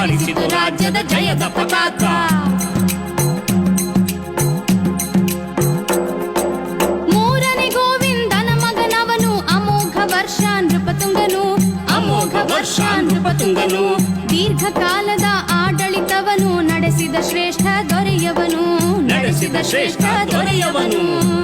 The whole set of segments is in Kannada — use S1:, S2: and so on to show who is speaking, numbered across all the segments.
S1: ಹಾರಿಸಿತು ರಾಜ್ಯದ ಜಯದ ಪತಾಕ.
S2: ಮೂರನೇ ಗೋವಿಂದನ ಮಗನವನು ಅಮೋಘ ವರ್ಷ ನೃಪತುಂಗನು,
S1: ಅಮೋಘ ವರ್ಷ ನೃಪತುಂಗನು.
S2: ದೀರ್ಘಕಾಲದ ಆಡಳಿತವನು ನಡೆಸಿದ ಶ್ರೇಷ್ಠ ದೊರೆಯವನು,
S1: ನಡೆಸಿದ ಶ್ರೇಷ್ಠ ದೊರೆಯವನು.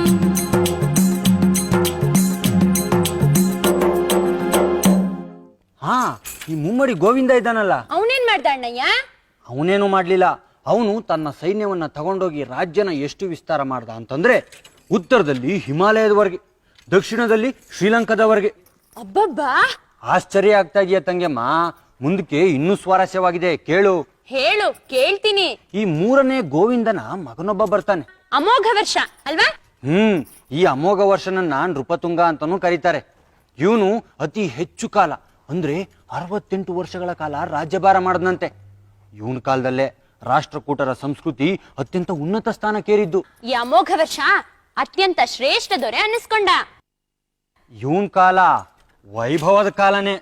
S3: ಹಾ, ಈ ಮುಮ್ಮಡಿ ಗೋವಿಂದ ಇದ್ದಾನಲ್ಲ,
S4: ಅವನೇನ್ ಮಾಡ್ದ ಅಣ್ಣಯ್ಯ?
S3: ಅವನೇನು ಮಾಡ್ಲಿಲ್ಲ. ಅವನು ತನ್ನ ಸೈನ್ಯವನ್ನ ತಗೊಂಡೋಗಿ ರಾಜ್ಯನ ಎಷ್ಟು ವಿಸ್ತಾರ ಮಾಡ್ದ ಅಂತಂದ್ರೆ, ಉತ್ತರದಲ್ಲಿ ಹಿಮಾಲಯದವರೆಗೆ, ದಕ್ಷಿಣದಲ್ಲಿ ಶ್ರೀಲಂಕಾದವರೆಗೆ.
S4: ಅಬ್ಬಬ್ಬಾ,
S3: ಆಶ್ಚರ್ಯ ಆಗ್ತಾ ಇದೆಯಾ ತಂಗೆಮ್ಮ? ಮುಂದಕ್ಕೆ ಇನ್ನೂ ಸ್ವಾರಸ್ಯವಾಗಿದೆ, ಕೇಳು.
S4: ಹೇಳು, ಕೇಳ್ತೀನಿ.
S3: ಈ ಮೂರನೇ ಗೋವಿಂದನ ಮಗನೊಬ್ಬ ಬರ್ತಾನೆ.
S4: ಅಮೋಘ ವರ್ಷ ಅಲ್ವಾ?
S3: ಈ ಅಮೋಘ ವರ್ಷನನ್ನ ನೃಪತುಂಗ ಅಂತಾನೂ ಕರೀತಾರೆ. ಇವನು ಅತಿ ಹೆಚ್ಚು ಕಾಲ ಅಂದ್ರೆ 68 ವರ್ಷಗಳ ಕಾಲ ರಾಜ್ಯಭಾರ ಮಾಡದಂತೆ. ಇವನ ಕಾಲದಲ್ಲೇ ರಾಷ್ಟ್ರಕೂಟರ ಸಂಸ್ಕೃತಿ ಅತ್ಯಂತ ಉನ್ನತ ಸ್ಥಾನಕ್ಕೇರಿದ್ದು.
S4: ಈ ಅಮೋಘ ವರ್ಷ ಅತ್ಯಂತ ಶ್ರೇಷ್ಠ ದೊರೆ ಅನ್ನಿಸ್ಕೊಂಡ.
S3: ಇವನ್ ಕಾಲ ವೈಭವದ ಕಾಲನೇ.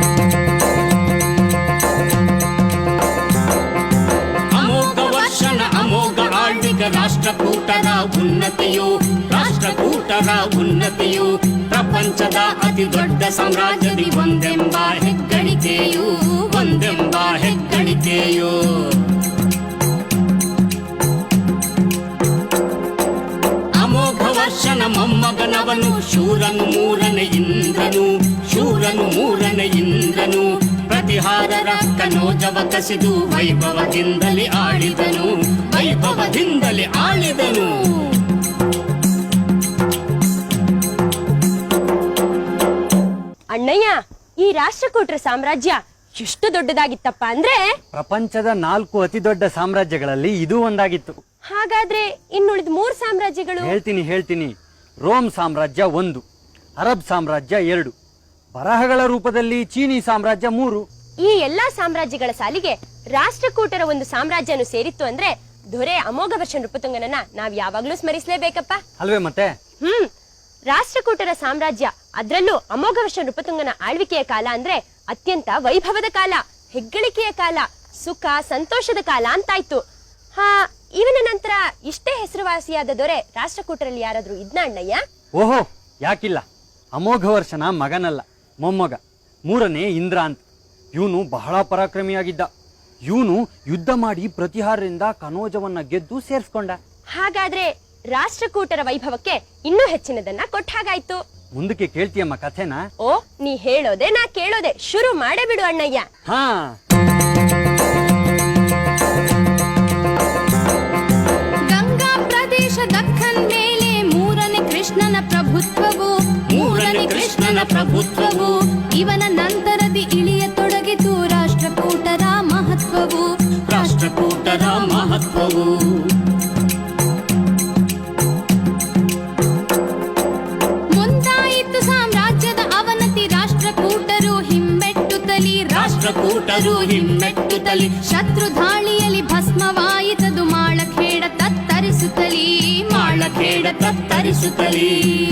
S1: ಅಮೋಘ ವರ್ಷನ ಅಮೋಘ ಆಳ್ವಿಕ ರಾಷ್ಟ್ರಕೂಟರ ಉನ್ನತಿಯು, ರಾಷ್ಟ್ರಕೂಟರ ಉನ್ನತಿಯು. ಪ್ರಪಂಚದ ಅತಿ ದೊಡ್ಡ ಸಾಮ್ರಾಜ್ಯದಿ ಒಂದೆಂಬ ಹೆಗ್ಗಳಿಕೆಯು, ಒಂದೆಂಬ ಹೆಗ್ಗಳಿಕೆಯು. ಅಮೋಘ ವರ್ಷನ ಮೊಮ್ಮಗನವನು ಶೂರನು ಮೂರನೇ ಇಂದ್ರನು, ಶೂರನು ಮೂರನೇ ಇಂದ್ರನು. ಪ್ರತಿಹಾರರ ಕನೋಜವ ಕಸಿದು ವೈಭವದಿಂದಲೇ ಆಳಿದನು, ವೈಭವದಿಂದಲೇ ಆಳಿದನು.
S4: ಅಣ್ಣಯ್ಯ, ಈ ರಾಷ್ಟ್ರಕೂಟರ ಸಾಮ್ರಾಜ್ಯ ಎಷ್ಟು ದೊಡ್ಡದಾಗಿತ್ತಪ್ಪ ಅಂದ್ರೆ,
S3: ಪ್ರಪಂಚದ 4 ಅತಿ ದೊಡ್ಡ ಸಾಮ್ರಾಜ್ಯಗಳಲ್ಲಿ ಇದು ಒಂದಾಗಿತ್ತು.
S4: ಹಾಗಾದ್ರೆ ಇನ್ನುಳಿದ 3 ಸಾಮ್ರಾಜ್ಯಗಳು?
S3: ಹೇಳ್ತೀನಿ. ರೋಮ್ ಸಾಮ್ರಾಜ್ಯ 1, ಅರಬ್ ಸಾಮ್ರಾಜ್ಯ 2, ಬರಹಗಳ ರೂಪದಲ್ಲಿ ಚೀನಿ ಸಾಮ್ರಾಜ್ಯ 3.
S4: ಈ ಎಲ್ಲಾ ಸಾಮ್ರಾಜ್ಯಗಳ ಸಾಲಿಗೆ ರಾಷ್ಟ್ರಕೂಟರ ಒಂದು ಸಾಮ್ರಾಜ್ಯನು ಸೇರಿತ್ತು ಅಂದ್ರೆ ದೊರೆ ಅಮೋಘ ವರ್ಷ ನೃಪತುಂಗನನ್ನ ನಾವ್ ಯಾವಾಗ್ಲೂ ಸ್ಮರಿಸಲೇಬೇಕಪ್ಪ
S3: ಅಲ್ವೇ ಮತ್ತೆ?
S4: ರಾಷ್ಟ್ರಕೂಟರ ಸಾಮ್ರಾಜ್ಯ, ಅದ್ರಲ್ಲೂ ಅಮೋಘ ವರ್ಷ ನೃಪತುಂಗನ ಆಳ್ವಿಕೆಯ ಕಾಲ ಅಂದ್ರೆ ಅತ್ಯಂತ ವೈಭವದ ಕಾಲ, ಹೆಗ್ಗಳಿಕೆಯ ಕಾಲ, ಸುಖ ಸಂತೋಷದ ಕಾಲ ಅಂತಾಯ್ತು. ಇವನ ನಂತರ ಇಷ್ಟೇ ಹೆಸರುವಾಸಿಯಾದ ದೊರೆ ರಾಷ್ಟ್ರಕೂಟರಲ್ಲಿ ಯಾರಾದ್ರೂ ಇದ್ನ ಅಣ್ಣಯ್ಯ?
S3: ಓಹೋ, ಯಾಕಿಲ್ಲ. ಅಮೋಘ ವರ್ಷನ ಮಗನಲ್ಲ, ಮೊಮ್ಮಗ, 3ನೇ ಇಂದ್ರ ಅಂತ. ಇವನು ಬಹಳ ಪರಾಕ್ರಮಿಯಾಗಿದ್ದ. ಇವನು ಯುದ್ಧ ಮಾಡಿ ಪ್ರತಿಹಾರದಿಂದ ಕನೋಜವನ್ನ ಗೆದ್ದು ಸೇರ್ಸ್ಕೊಂಡ.
S4: ಹಾಗಾದ್ರೆ ರಾಷ್ಟ್ರಕೂಟರ ವೈಭವಕ್ಕೆ ಇನ್ನೂ ಹೆಚ್ಚಿನದನ್ನ ಕೊಟ್ಟ ಹಾಗಾಯ್ತು.
S3: ಮುಂದಕ್ಕೆ ಕೇಳ್ತೀಯಮ್ಮ ಕಥೆನ?
S4: ಓ, ನೀ ಹೇಳೋದೆ ನಾ ಕೇಳೋದೆ, ಶುರು ಮಾಡೇ ಬಿಡು ಅಣ್ಣಯ್ಯ.
S2: ಗಂಗಾ ಪ್ರದೇಶ ದಕ್ಕನ್ ಮೇಲೆ ಮೂರನೇ ಕೃಷ್ಣನ ಪ್ರಭುತ್ವವು, ಮೂರನೇ ಕೃಷ್ಣನ ಪ್ರಭುತ್ವವು. ಇವನ ನಂತರದಿ ಇಳಿಯತೊಡಗಿತು ರಾಷ್ಟ್ರಕೂಟರ ಮಹತ್ವವು,
S1: ರಾಷ್ಟ್ರಕೂಟರ ಮಹತ್ವವು.
S2: ಮುಂದಾಯಿತು ಸಾಮ್ರಾಜ್ಯದ ಅವನತಿ, ರಾಷ್ಟ್ರಕೂಟರು ಹಿಮ್ಮೆಟ್ಟುತ್ತಲಿ,
S1: ರಾಷ್ಟ್ರಕೂಟರು ಹಿಮ್ಮೆಟ್ಟುತ್ತಲಿ.
S2: ಶತ್ರು ಧಾಳಿಯಲ್ಲಿ ಭಸ್ಮವಾಯಿತದು ಮಾಳಖೇಡ ತತ್ತರಿಸುತ್ತಲಿ,
S1: ಮಾಳಖೇಡ ತತ್ತರಿಸುತ್ತಲಿ.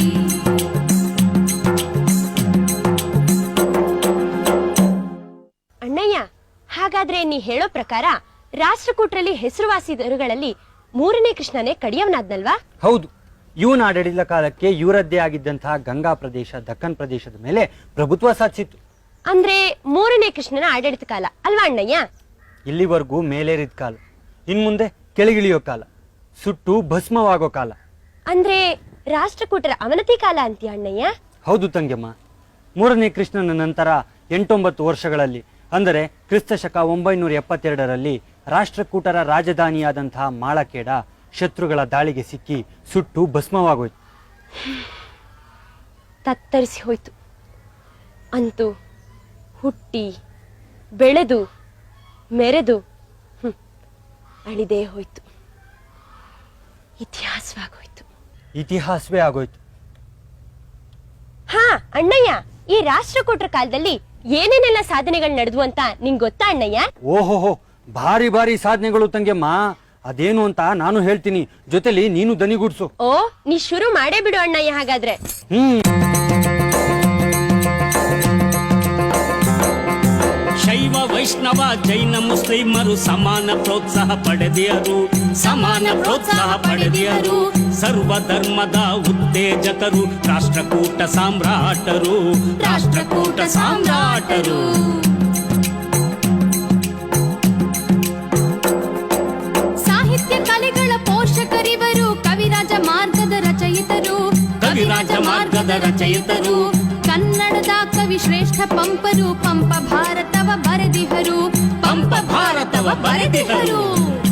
S4: ಅಣ್ಣಯ್ಯ, ಹಾಗಾದ್ರೆ ನೀ ಹೇಳೋ ಪ್ರಕಾರ ರಾಷ್ಟ್ರಕೂಟರಲ್ಲಿ ಹೆಸರುವಾಸಿ ದೊರೆಗಳಲ್ಲಿ 3ನೇ ಕೃಷ್ಣನೇ ಕಡಿಯವನಾದ್ನಲ್ವಾ?
S3: ಹೌದು. ಇವನ ಆಡಳಿತ ಕಾಲಕ್ಕೆ ಇವರದ್ದೇ ಆಗಿದ್ದಂತಹ ಗಂಗಾ ಪ್ರದೇಶ, ದಕ್ಕನ್ ಪ್ರದೇಶದ ಮೇಲೆ ಪ್ರಭುತ್ವ ಸಾಧಿಸಿತ್ತು.
S4: ಅಂದ್ರೆ 3ನೇ ಕೃಷ್ಣನ ಆಡಳಿತ ಕಾಲ ಅಲ್ವಾ ಅಣ್ಣಯ್ಯ?
S3: ಇಲ್ಲಿವರೆಗೂ ಮೇಲೇರಿದ ಕಾಲ, ಇನ್ಮುಂದೆ ಕೆಳಗಿಳಿಯೋ ಕಾಲ, ಸುಟ್ಟು ಭಸ್ಮವಾಗೋ ಕಾಲ.
S4: ಅಂದ್ರೆ ರಾಷ್ಟ್ರಕೂಟರ ಅವನತಿ ಕಾಲ ಅಂತೀಯ ಅಣ್ಣಯ್ಯ?
S3: ಹೌದು ತಂಗೆಮ್ಮ. 3ನೇ ಕೃಷ್ಣನ ನಂತರ 8-9 ವರ್ಷಗಳಲ್ಲಿ, ಅಂದರೆ ಕ್ರಿಸ್ತ ಶಕ 972ರಲ್ಲಿ ರಾಷ್ಟ್ರಕೂಟರ ರಾಜಧಾನಿಯಾದಂತಹ ಮಾಳಖೇಡ ಶತ್ರುಗಳ ದಾಳಿಗೆ ಸಿಕ್ಕಿ ಸುಟ್ಟು ಭಸ್ಮವಾಗೋಯ್ತು.
S4: ತತ್ತರಿಸಿ ಹೋಯ್ತು. ಅಂತೂ ಹುಟ್ಟಿ ಬೆಳೆದು ಮೆರೆದು ಅಳಿದೇ ಹೋಯ್ತು. ಇತಿಹಾಸವಾಗೋಯ್ತು.
S3: ಇತಿಹಾಸವೇ ಆಗೋಯ್ತು.
S4: ಹಾ ಅಣ್ಣಯ್ಯ, ಈ ರಾಷ್ಟ್ರಕೂಟರ ಕಾಲದಲ್ಲಿ ಏನೇನೆಲ್ಲ ಸಾಧನೆಗಳು ನಡೆದ್ವು ಅಂತ ನಿಂಗ್ ಗೊತ್ತಾ ಅಣ್ಣಯ್ಯ?
S3: ಓಹೋಹೋ, ಭಾರಿ ಭಾರಿ ಸಾಧನೆಗಳು ತಂಗೆಮ್ಮ. ಅದೇನು ಅಂತ ನಾನು ಹೇಳ್ತೀನಿ, ಜೊತೆಲಿ ನೀನು ದನಿಗೂಡ್ಸು.
S4: ಓ, ನೀ ಶುರು ಮಾಡೇ ಬಿಡು ಅಣ್ಣಯ್ಯ ಹಾಗಾದ್ರೆ.
S1: ಶೈವ ವೈಷ್ಣವ ಜೈನ ಮುಸ್ಲಿಮರು ಸಮಾನ ಪ್ರೋತ್ಸಾಹ ಪಡೆದಿಯರು, ಸಮಾನ ಪ್ರೋತ್ಸಾಹ ಪಡೆದಿಯರು. ಸರ್ವ ಧರ್ಮದ ಉತ್ತೇಜಕರು ರಾಷ್ಟ್ರಕೂಟ ಸಾಮ್ರಾಟರು, ರಾಷ್ಟ್ರಕೂಟ ಸಾಮ್ರಾಟರು.
S2: ಸಾಹಿತ್ಯ ಕಲೆಗಳ ಪೋಷಕರಿವರು ಕವಿರಾಜ ಮಾರ್ಗದ ರಚಯಿತರು,
S1: ಕವಿರಾಜ ಮಾರ್ಗದ ರಚಯಿತರು.
S2: ಕನ್ನಡದ ಕವಿ ಶ್ರೇಷ್ಠ ಪಂಪರು ಪಂಪ ಭಾರತವ ಬರೆದಿಹರು,
S1: ಪಂಪ ಭಾರತವ ಬರೆದಿಹರು.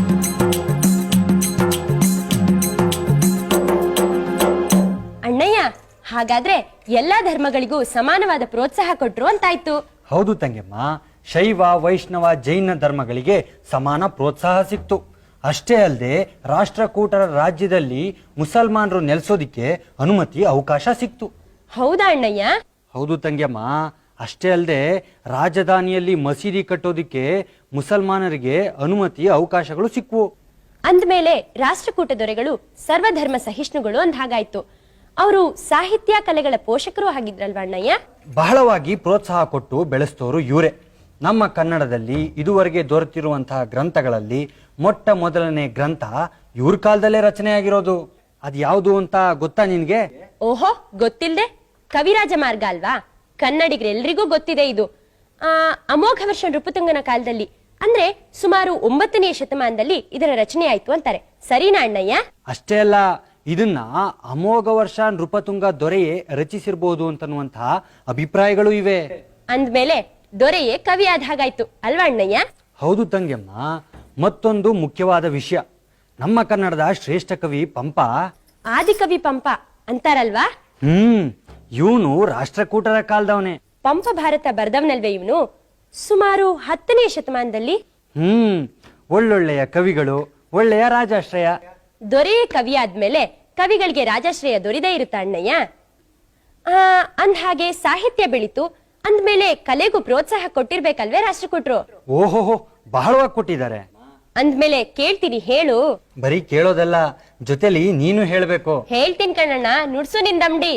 S4: ಅಣ್ಣಯ್ಯ, ಹಾಗಾದ್ರೆ ಎಲ್ಲಾ ಧರ್ಮಗಳಿಗೂ ಸಮಾನವಾದ ಪ್ರೋತ್ಸಾಹ ಕೊಟ್ರು ಅಂತಾಯ್ತು.
S3: ಹೌದು ತಂಗೆಮ್ಮ, ಶೈವ ವೈಷ್ಣವ ಜೈನ ಧರ್ಮಗಳಿಗೆ ಸಮಾನ ಪ್ರೋತ್ಸಾಹ ಸಿಕ್ತು. ಅಷ್ಟೇ ಅಲ್ಲದೆ ರಾಷ್ಟ್ರಕೂಟರ ರಾಜ್ಯದಲ್ಲಿ ಮುಸಲ್ಮಾನರು ನೆಲೆಸೋದಿಕ್ಕೆ ಅನುಮತಿ ಅವಕಾಶ ಸಿಕ್ತು.
S4: ಹೌದಾ ಅಣ್ಣಯ್ಯ?
S3: ಹೌದು ತಂಗ್ಯಮ್ಮ, ಅಷ್ಟೇ ಅಲ್ಲದೆ ರಾಜಧಾನಿಯಲ್ಲಿ ಮಸೀದಿ ಕಟ್ಟೋದಿಕ್ಕೆ ಮುಸಲ್ಮಾನರಿಗೆ ಅನುಮತಿ ಅವಕಾಶಗಳು ಸಿಕ್ವು.
S4: ಅಂದ್ಮೇಲೆ ರಾಷ್ಟ್ರಕೂಟ ದೊರೆಗಳು ಸರ್ವಧರ್ಮ ಸಹಿಷ್ಣುಗಳು ಅಂದ ಹಾಗಾಯ್ತು. ಅವರು ಸಾಹಿತ್ಯ ಕಲೆಗಳ ಪೋಷಕರು ಆಗಿದ್ರಲ್ವ ಅಣ್ಣಯ್ಯ?
S3: ಬಹಳವಾಗಿ ಪ್ರೋತ್ಸಾಹ ಕೊಟ್ಟು ಬೆಳೆಸ್ತೋರು ಇವರೇ. ನಮ್ಮ ಕನ್ನಡದಲ್ಲಿ ಇದುವರೆಗೆ ದೊರೆತಿರುವಂತಹ ಗ್ರಂಥಗಳಲ್ಲಿ ಮೊಟ್ಟ ಮೊದಲನೇ ಗ್ರಂಥ ಇವ್ರ ಕಾಲದಲ್ಲೇ ರಚನೆಯಾಗಿರೋದು. ಅದು ಯಾವುದು ಅಂತ ಗೊತ್ತಾ ನಿನ್ಗೆ?
S4: ಓಹೋ, ಗೊತ್ತಿಲ್ದೆ? ಕವಿರಾಜ ಮಾರ್ಗ ಅಲ್ವಾ? ಕನ್ನಡಿಗರೆಲ್ರಿಗೂ ಗೊತ್ತಿದೆ ಇದು. ಅಮೋಘ ವರ್ಷ ನೃಪತುಂಗನ ಕಾಲದಲ್ಲಿ ಅಂದ್ರೆ ಸುಮಾರು 9ನೇ ಶತಮಾನದಲ್ಲಿ ಇದರ ರಚನೆ ಆಯ್ತು ಅಂತಾರೆ. ಸರಿನಾ ಅಣ್ಣಯ್ಯ?
S3: ಅಷ್ಟೇ ಅಲ್ಲ, ಇದನ್ನ ಅಮೋಘ ವರ್ಷ ನೃಪತುಂಗ ದೊರೆಯೇ ರಚಿಸಿರ್ಬೋದು ಅಂತನ್ನುವಂತಹ ಅಭಿಪ್ರಾಯಗಳು ಇವೆ.
S4: ಅಂದ್ಮೇಲೆ ದೊರೆಯೇ ಕವಿ ಆದ ಹಾಗಾಯ್ತು ಅಲ್ವಾ ಅಣ್ಣಯ್ಯ?
S3: ಹೌದು ತಂಗ್ಯಮ್ಮ. ಮತ್ತೊಂದು ಮುಖ್ಯವಾದ ವಿಷಯ, ನಮ್ಮ ಕನ್ನಡದ ಶ್ರೇಷ್ಠ ಕವಿ ಪಂಪ,
S4: ಆದಿಕವಿ ಪಂಪ ಅಂತಾರಲ್ವಾ?
S3: ಇವನು ರಾಷ್ಟ್ರಕೂಟರ ಕಾಲದವನೇ.
S4: ಪಂಪ ಭಾರತ ಬರ್ದವನಲ್ವೇ ಇವನು? ಸುಮಾರು 10ನೇ ಶತಮಾನದಲ್ಲಿ.
S3: ಒಳ್ಳೊಳ್ಳೆಯ ಕವಿಗಳು, ಒಳ್ಳೆಯ ರಾಜಾಶ್ರಯ.
S4: ದೊರೆಯೇ ಕವಿ ಆದ್ಮೇಲೆ ಕವಿಗಳಿಗೆ ರಾಜಾಶ್ರಯ ದೊರೆದೇ ಇರುತ್ತಾ ಅಣ್ಣಯ್ಯ? ಅಂದ ಹಾಗೆ ಸಾಹಿತ್ಯ ಬೆಳೀತು ಅಂದ್ಮೇಲೆ ಕಲೆಗೂ ಪ್ರೋತ್ಸಾಹ ಕೊಟ್ಟಿರ್ಬೇಕಲ್ವೇ ರಾಷ್ಟ್ರಕೂಟರು?
S3: ಓಹೋಹೋ, ಬಹಳವಾಗಿ ಕೊಟ್ಟಿದ್ದಾರೆ.
S4: ಅಂದ್ಮೇಲೆ ಕೇಳ್ತೀನಿ, ಹೇಳು.
S3: ಬರೀ ಕೇಳೋದಲ್ಲ, ಜೊತೆಲಿ ನೀನು ಹೇಳ್ಬೇಕು.
S4: ಹೇಳ್ತೀನಿ ಕಣ್ಣಣ್ಣ, ನುಡ್ಸು ನಿಂದಮ್ಡಿ.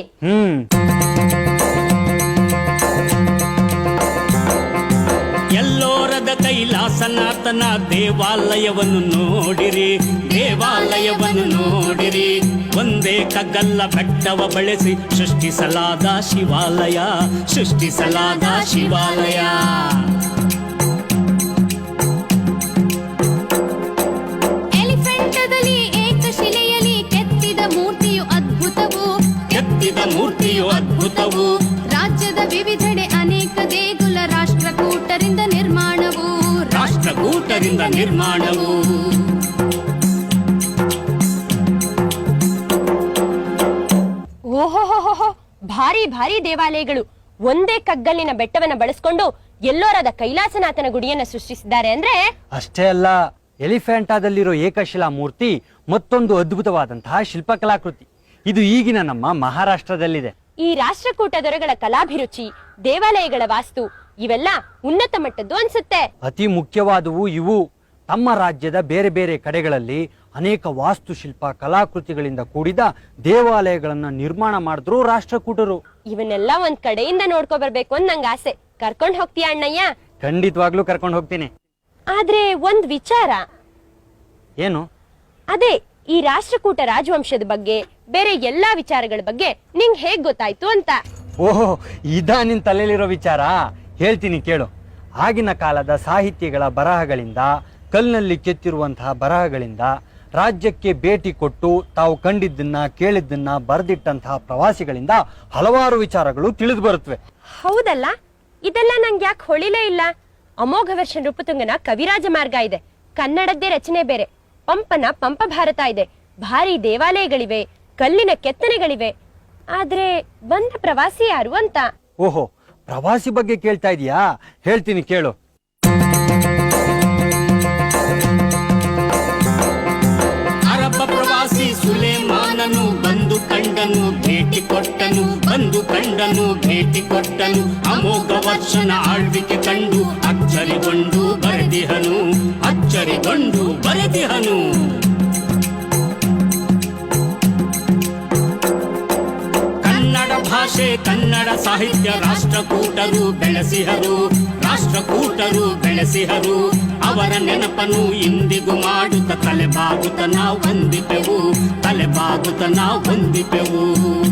S1: ಎಲ್ಲೋರದ ಕೈಲಾಸನಾಥನ ದೇವಾಲಯವನ್ನು ನೋಡಿರಿ, ದೇವಾಲಯವನ್ನು ನೋಡಿರಿ. ಒಂದೇ ಕಗ್ಗಲ್ಲ ಬೆಟ್ಟವ ಬಳಸಿ ಸೃಷ್ಟಿಸಲಾದ ಶಿವಾಲಯ, ಸೃಷ್ಟಿಸಲಾದ ಶಿವಾಲಯ.
S2: ಎಲಿಫೆಂಟದಲ್ಲಿ ಏಕಶಿಲೆಯಲ್ಲಿ ಕೆತ್ತಿದ ಮೂರ್ತಿಯು ಅದ್ಭುತವು,
S1: ಕೆತ್ತಿದ ಮೂರ್ತಿಯು ಅದ್ಭುತವು.
S2: ರಾಜ್ಯದ ವಿವಿಧೆಡೆ ಅನೇಕ ದೇಗುಲ ರಾಷ್ಟ್ರಕೂಟರಿಂದ ನಿರ್ಮಾಣವು,
S1: ರಾಷ್ಟ್ರಕೂಟರಿಂದ ನಿರ್ಮಾಣವು.
S4: ಓಹೋಹೋಹೋ, ಭಾರಿ ಭಾರಿ ದೇವಾಲಯಗಳು ಒಂದೇ ಕಗ್ಗಲ್ಲಿನ ಬೆಟ್ಟವನ್ನ ಬಳಸ್ಕೊಂಡು ಎಲ್ಲೋರದ ಕೈಲಾಸನಾಥನ ಗುಡಿಯನ್ನ ಸೃಷ್ಟಿಸಿದ್ದಾರೆ ಅಂದ್ರೆ.
S3: ಅಷ್ಟೇ ಅಲ್ಲ, ಎಲಿಫೆಂಟಾದಲ್ಲಿರೋ ಏಕಶಿಲಾ ಮೂರ್ತಿ ಮತ್ತೊಂದು ಅದ್ಭುತವಾದಂತಹ ಶಿಲ್ಪಕಲಾಕೃತಿ. ಇದು ಈಗಿನ ನಮ್ಮ ಮಹಾರಾಷ್ಟ್ರದಲ್ಲಿದೆ.
S4: ಈ ರಾಷ್ಟ್ರಕೂಟ ದೊರೆಗಳ ಕಲಾಭಿರುಚಿ, ದೇವಾಲಯಗಳ ವಾಸ್ತು ಇವೆಲ್ಲ ಉನ್ನತ ಮಟ್ಟದ್ದು ಅನ್ಸುತ್ತೆ.
S3: ಅತಿ ಮುಖ್ಯವಾದವು ಇವು. ತಮ್ಮ ರಾಜ್ಯದ ಬೇರೆ ಬೇರೆ ಕಡೆಗಳಲ್ಲಿ ಅನೇಕ ವಾಸ್ತುಶಿಲ್ಪ ಕಲಾಕೃತಿಗಳಿಂದ ಕೂಡಿದ ದೇವಾಲಯಗಳನ್ನ ನಿರ್ಮಾಣ ಮಾಡಿದ್ರು ರಾಷ್ಟ್ರಕೂಟರು.
S4: ಇವನ್ನೆಲ್ಲ ಒಂದ್ ಕಡೆಯಿಂದ ನೋಡ್ಕೊ ಬರ್ಬೇಕು ಅಂತ ನಂಗೆ ಆಸೆ. ಕರ್ಕೊಂಡ್ ಹೋಗ್ತೀಯ ಅಣ್ಣಯ್ಯ?
S3: ಖಂಡಿತವಾಗ್ಲೂ ಕರ್ಕೊಂಡು ಹೋಗ್ತೀನಿ.
S4: ಆದ್ರೆ ಒಂದ್ ವಿಚಾರ.
S3: ಏನು?
S4: ಅದೇ ಈ ರಾಷ್ಟ್ರಕೂಟ ರಾಜವಂಶದ ಬಗ್ಗೆ ಬೇರೆ ಎಲ್ಲಾ ವಿಚಾರಗಳ ಬಗ್ಗೆ ನಿಂಗ್ ಹೇಗ್ ಗೊತ್ತಾಯ್ತು ಅಂತ.
S3: ಓಹೋ, ಇದಾ ನಿನ್ ತಲೆಯಲ್ಲಿರೋ ವಿಚಾರ? ಹೇಳ್ತೀನಿ ಕೇಳು. ಆಗಿನ ಕಾಲದ ಸಾಹಿತ್ಯಗಳ ಬರಹಗಳಿಂದ, ಕಲ್ಲಿನಲ್ಲಿ ಕೆತ್ತಿರುವಂತಹ ಬರಹಗಳಿಂದ, ರಾಜ್ಯಕ್ಕೆ ಭೇಟಿ ಕೊಟ್ಟು ತಾವು ಕಂಡಿದ್ದನ್ನ ಕೇಳಿದ್ದನ್ನ ಬರೆದಿಟ್ಟಂತಹ ಪ್ರವಾಸಿಗಳಿಂದ ಹಲವಾರು ವಿಚಾರಗಳು ತಿಳಿದು ಬರುತ್ತವೆ.
S4: ಹೌದಲ್ಲ, ಇದೆಲ್ಲ ನಂಗೆ ಯಾಕೆ ಹೊಳಿಲೇ ಇಲ್ಲ? ಅಮೋಘ ವರ್ಷ ನೃಪತುಂಗನ ಕವಿರಾಜ ಮಾರ್ಗ ಇದೆ, ಕನ್ನಡದ್ದೇ ರಚನೆ ಬೇರೆ. ಪಂಪನ ಪಂಪ ಭಾರತ ಇದೆ, ಭಾರಿ ದೇವಾಲಯಗಳಿವೆ, ಕಲ್ಲಿನ ಕೆತ್ತನೆಗಳಿವೆ. ಆದ್ರೆ ಬಂದ ಪ್ರವಾಸಿ ಯಾರು ಅಂತ.
S3: ಓಹೋ, ಪ್ರವಾಸಿ ಬಗ್ಗೆ ಕೇಳ್ತಾ ಇದೀಯಾ? ಹೇಳ್ತೀನಿ ಕೇಳು.
S1: ಅರಬ್ಬ ಪ್ರವಾಸಿ ಸುಲೇಮಾನನು ಬಂದು ಕಂಡನು, ಭೇಟಿ ಕೊಟ್ಟನು, ಬಂದು ಕಂಡನು, ಭೇಟಿ ಕೊಟ್ಟನು. ಅಮೋಘ ವರ್ಷನ ಆಳ್ವಿಕೆ ಕಂಡು ಅಚ್ಚರಿಗೊಂಡು ಬರೆದಿಹನು, ಅಚ್ಚರಿಗೊಂಡು ಬರೆದಿಹನು. ಕನ್ನಡ ಭಾಷೆ, ಕನ್ನಡ ಸಾಹಿತ್ಯ ರಾಷ್ಟ್ರಕೂಟರು ಬೆಳೆಸಿಹರು, ರಾಷ್ಟ್ರಕೂಟರು ಬೆಳೆಸಿಹರು ಅವರ ನೆನಪನ್ನು ಇಂದಿಗೂ ಮಾಡುತ್ತ ತಲೆಬಾಗುತ್ತ ನಾವು ಹೊಂದಿಪೆವು, ತಲೆಬಾಗುತ್ತ ನಾವು ಹೊಂದಿಪೆವು.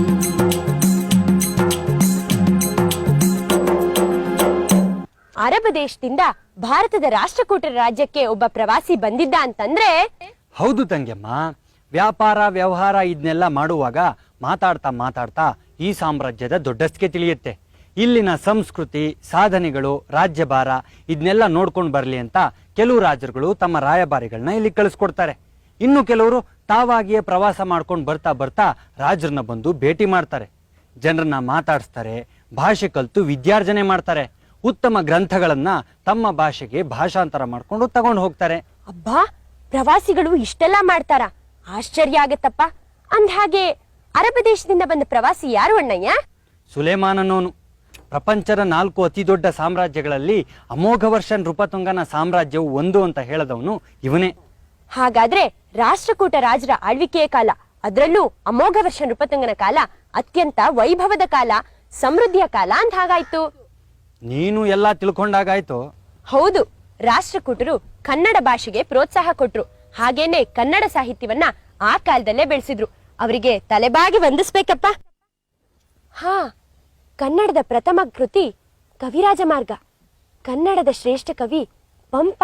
S4: ಅರಬ್ ದೇಶದಿಂದ ಭಾರತದ ರಾಷ್ಟ್ರಕೂಟರ ರಾಜ್ಯಕ್ಕೆ ಒಬ್ಬ ಪ್ರವಾಸಿ ಬಂದಿದ್ದ ಅಂತಂದ್ರೆ
S3: ಹೌದು ತಂಗೆಮ್ಮ, ವ್ಯಾಪಾರ ವ್ಯವಹಾರ ಇದನ್ನೆಲ್ಲ ಮಾಡುವಾಗ ಮಾತಾಡ್ತಾ ಮಾತಾಡ್ತಾ ಈ ಸಾಮ್ರಾಜ್ಯದ ದೊಡ್ಡಸ್ಕೆ ತಿಳಿಯುತ್ತೆ. ಇಲ್ಲಿನ ಸಂಸ್ಕೃತಿ, ಸಾಧನೆಗಳು, ರಾಜ್ಯಭಾರ ಇದನ್ನೆಲ್ಲ ನೋಡ್ಕೊಂಡು ಬರಲಿ ಅಂತ ಕೆಲವು ರಾಜರುಗಳು ತಮ್ಮ ರಾಯಭಾರಿಗಳನ್ನ ಇಲ್ಲಿ ಕಳಿಸ್ಕೊಡ್ತಾರೆ. ಇನ್ನು ಕೆಲವರು ತಾವಾಗಿಯೇ ಪ್ರವಾಸ ಮಾಡ್ಕೊಂಡು ಬರ್ತಾ ಬರ್ತಾ ರಾಜರನ್ನ ಬಂದು ಭೇಟಿ ಮಾಡ್ತಾರೆ, ಜನರನ್ನ ಮಾತಾಡಿಸ್ತಾರೆ, ಭಾಷೆ ಕಲಿತು ವಿದ್ಯಾರ್ಜನೆ ಮಾಡ್ತಾರೆ, ಉತ್ತಮ ಗ್ರಂಥಗಳನ್ನ ತಮ್ಮ ಭಾಷೆಗೆ ಭಾಷಾಂತರ ಮಾಡ್ಕೊಂಡು ತಗೊಂಡು ಹೋಗ್ತಾರೆ.
S4: ಅಬ್ಬಾ, ಪ್ರವಾಸಿಗಳು ಇಷ್ಟೆಲ್ಲ ಮಾಡ್ತಾರ, ಆಶ್ಚರ್ಯ ಆಗತ್ತಪ್ಪ. ಅಂದ್ಹಾಗೆ ಅರಬ್ ದೇಶದಿಂದ ಬಂದ ಪ್ರವಾಸಿ ಯಾರು ಅಣ್ಣಯ್ಯ?
S3: ಸುಲೇಮಾನ್ ಅನ್ನೋನು. ಪ್ರಪಂಚದ 4 ಅತಿ ದೊಡ್ಡ ಸಾಮ್ರಾಜ್ಯಗಳಲ್ಲಿ ಅಮೋಘವರ್ಷ ನೃಪತುಂಗನ ಸಾಮ್ರಾಜ್ಯವು ಒಂದು ಅಂತ ಹೇಳದವನು ಇವನೇ.
S4: ಹಾಗಾದ್ರೆ ರಾಷ್ಟ್ರಕೂಟ ರಾಜರ ಆಳ್ವಿಕೆಯ ಕಾಲ, ಅದರಲ್ಲೂ ಅಮೋಘವರ್ಷ ನೃಪತುಂಗನ ಕಾಲ ಅತ್ಯಂತ ವೈಭವದ ಕಾಲ, ಸಮೃದ್ಧಿಯ ಕಾಲ ಅಂತ ಹಾಗಾಯ್ತು.
S3: ನೀನು ಎಲ್ಲ ತಿಳ್ಕೊಂಡಾಗಾಯ್ತು.
S4: ಹೌದು, ರಾಷ್ಟ್ರಕೂಟರು ಕನ್ನಡ ಭಾಷೆಗೆ ಪ್ರೋತ್ಸಾಹ ಕೊಟ್ರು. ಹಾಗೇನೆ ಕನ್ನಡ ಸಾಹಿತ್ಯವನ್ನ ಆ ಕಾಲದಲ್ಲೇ ಬೆಳೆಸಿದ್ರು. ಅವರಿಗೆ ತಲೆಬಾಗಿ ವಂದಿಸ್ಬೇಕಪ್ಪ. ಹಾ, ಕನ್ನಡದ ಪ್ರಥಮ ಕೃತಿ ಕವಿರಾಜ ಮಾರ್ಗ, ಕನ್ನಡದ ಶ್ರೇಷ್ಠ ಕವಿ ಪಂಪ.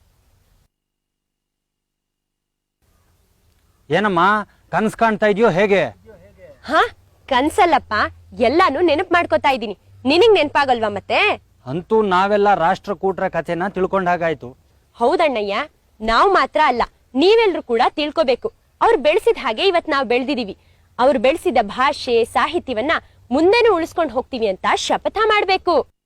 S3: ಏನಮ್ಮ ಕನ್ಸ್ ಕಾಣ್ತಾ ಇದೆಯೋ ಹೇಗೆ?
S4: ಹಾ, ಕನ್ಸಲ್ಲಪ್ಪ, ಎಲ್ಲಾನು ನೆನಪು ಮಾಡ್ಕೋತಾ ಇದ್ದೀನಿ. ನಿನಗ್ ನೆನಪಾಗಲ್ವಾ ಮತ್ತೆ?
S3: ಅಂತೂ ನಾವೆಲ್ಲ ರಾಷ್ಟ್ರಕೂಟರ ಕಥೆನ ತಿಳ್ಕೊಂಡಾಗಾಯ್ತು.
S4: ಹೌದಣ್ಣಯ್ಯ, ನಾವು ಮಾತ್ರ ಅಲ್ಲ, ನೀವೆಲ್ರೂ ಕೂಡ ತಿಳ್ಕೋಬೇಕು. ಅವ್ರು ಬೆಳೆಸಿದ ಹಾಗೆ ಇವತ್ ನಾವು ಬೆಳೆದಿದೀವಿ. ಅವ್ರು ಬೆಳೆಸಿದ ಭಾಷೆ, ಸಾಹಿತ್ಯವನ್ನ ಮುಂದೆನೂ ಉಳಿಸ್ಕೊಂಡು ಹೋಗ್ತೀವಿ ಅಂತ ಶಪಥ ಮಾಡ್ಬೇಕು.